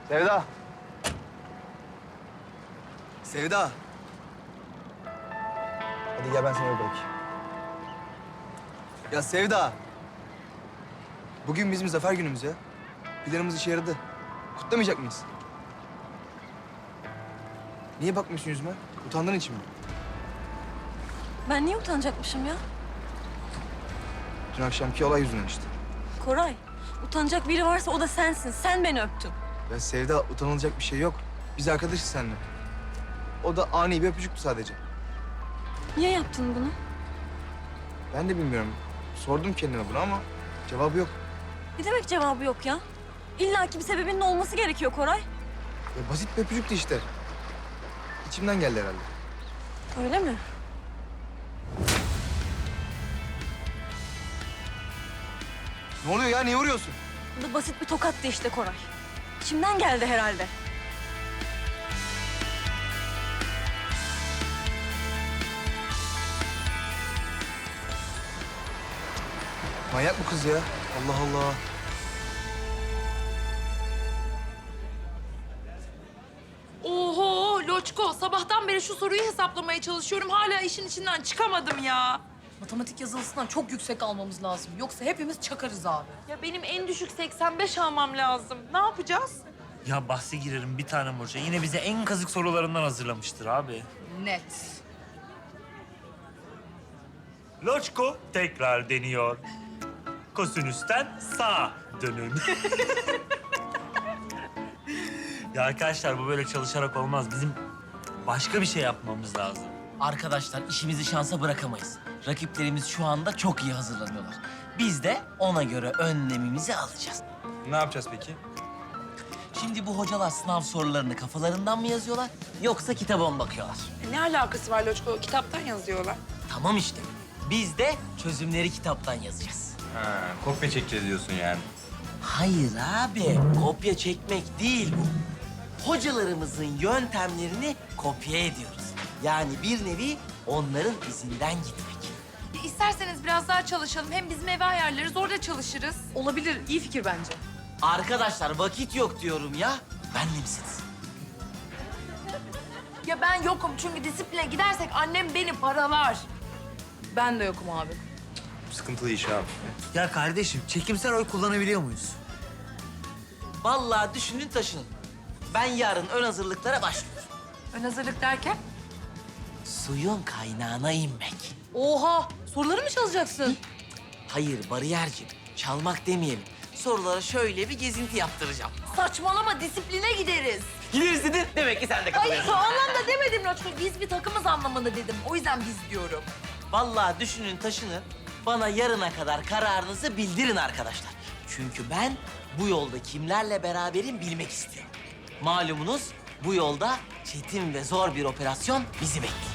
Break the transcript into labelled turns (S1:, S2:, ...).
S1: Sevda. Sevda. Hadi gel ben seni eve bırakayım. Ya Sevda. Bugün bizim zafer günümüz ya. Planımız işe yaradı. Kutlamayacak mıyız? Niye bakmıyorsun yüzüme? Utandığın için mi?
S2: Ben niye utanacakmışım ya?
S1: Dün akşamki olay yüzünden işte.
S2: Koray, utanacak biri varsa o da sensin. Sen beni öptün.
S1: Ya Sevda, utanılacak bir şey yok. Biz arkadaşız seninle. O da ani bir öpücüktü sadece.
S2: Niye yaptın bunu?
S1: Ben de bilmiyorum. Sordum kendime bunu ama cevabı yok.
S2: Ne demek cevabı yok ya? İlla ki bir sebebinin olması gerekiyor Koray.
S1: Ya basit bir öpücüktü işte. İçimden geldi herhalde.
S2: Öyle mi?
S1: Ne oluyor ya? Niye vuruyorsun?
S2: Bu da basit bir tokattı işte Koray. İçimden geldi herhalde.
S1: Manyak bu kız ya. Allah Allah.
S3: Oho Loçko, sabahtan beri şu soruyu hesaplamaya çalışıyorum. Hala işin içinden çıkamadım ya.
S4: Matematik yazılısından çok yüksek almamız lazım. Yoksa hepimiz çakarız abi.
S3: Ya benim en düşük 85 almam lazım. Ne yapacağız?
S5: Ya bahse girerim bir tane hoca. Yine bize en kazık sorularından hazırlamıştır abi.
S4: Net.
S5: Loçko tekrar deniyor. Kosinüsten sağa dönün. Ya arkadaşlar bu böyle çalışarak olmaz. Bizim başka bir şey yapmamız lazım.
S6: Arkadaşlar işimizi şansa bırakamayız. Rakiplerimiz şu anda çok iyi hazırlanıyorlar. Biz de ona göre önlemimizi alacağız.
S1: Ne yapacağız peki?
S6: Şimdi bu hocalar sınav sorularını kafalarından mı yazıyorlar yoksa kitaba mı bakıyorlar?
S3: Ne alakası var Loçko? Kitaptan yazıyorlar.
S6: Tamam işte. Biz de çözümleri kitaptan yazacağız.
S7: Ha, kopya çekeceğiz diyorsun yani.
S6: Hayır abi, kopya çekmek değil bu. Hocalarımızın yöntemlerini kopya ediyoruz. Yani bir nevi onların izinden gitmek.
S3: İsterseniz biraz daha çalışalım. Hem bizim eve ayarlarız, orada çalışırız.
S4: Olabilir. İyi fikir bence.
S6: Arkadaşlar vakit yok diyorum ya. Benle misiniz?
S3: Ya ben yokum çünkü disipline gidersek annem beni paralar.
S4: Ben de yokum abi.
S7: Sıkıntılı iş abi.
S5: Ya kardeşim çekimsel oy kullanabiliyor muyuz?
S6: Vallahi düşünün taşının. Ben yarın ön hazırlıklara başlıyorum.
S3: Ön hazırlık derken?
S6: Suyun kaynağına inmek.
S4: Oha! Soruları mı çalacaksın?
S6: Hayır bariyerci, çalmak demeyelim. Sorulara şöyle bir gezinti yaptıracağım.
S3: Saçmalama, disipline gideriz.
S6: Gideriz dedin. Demek ki sen de
S3: Hayır,
S6: katılıyorsun.
S3: o anlamda demedim Loçko. Biz bir takımız anlamında dedim. O yüzden biz diyorum.
S6: Vallahi düşünün taşının. Bana yarına kadar kararınızı bildirin arkadaşlar. Çünkü ben bu yolda kimlerle beraberim bilmek istiyorum. Malumunuz bu yolda çetin ve zor bir operasyon bizi bekliyor.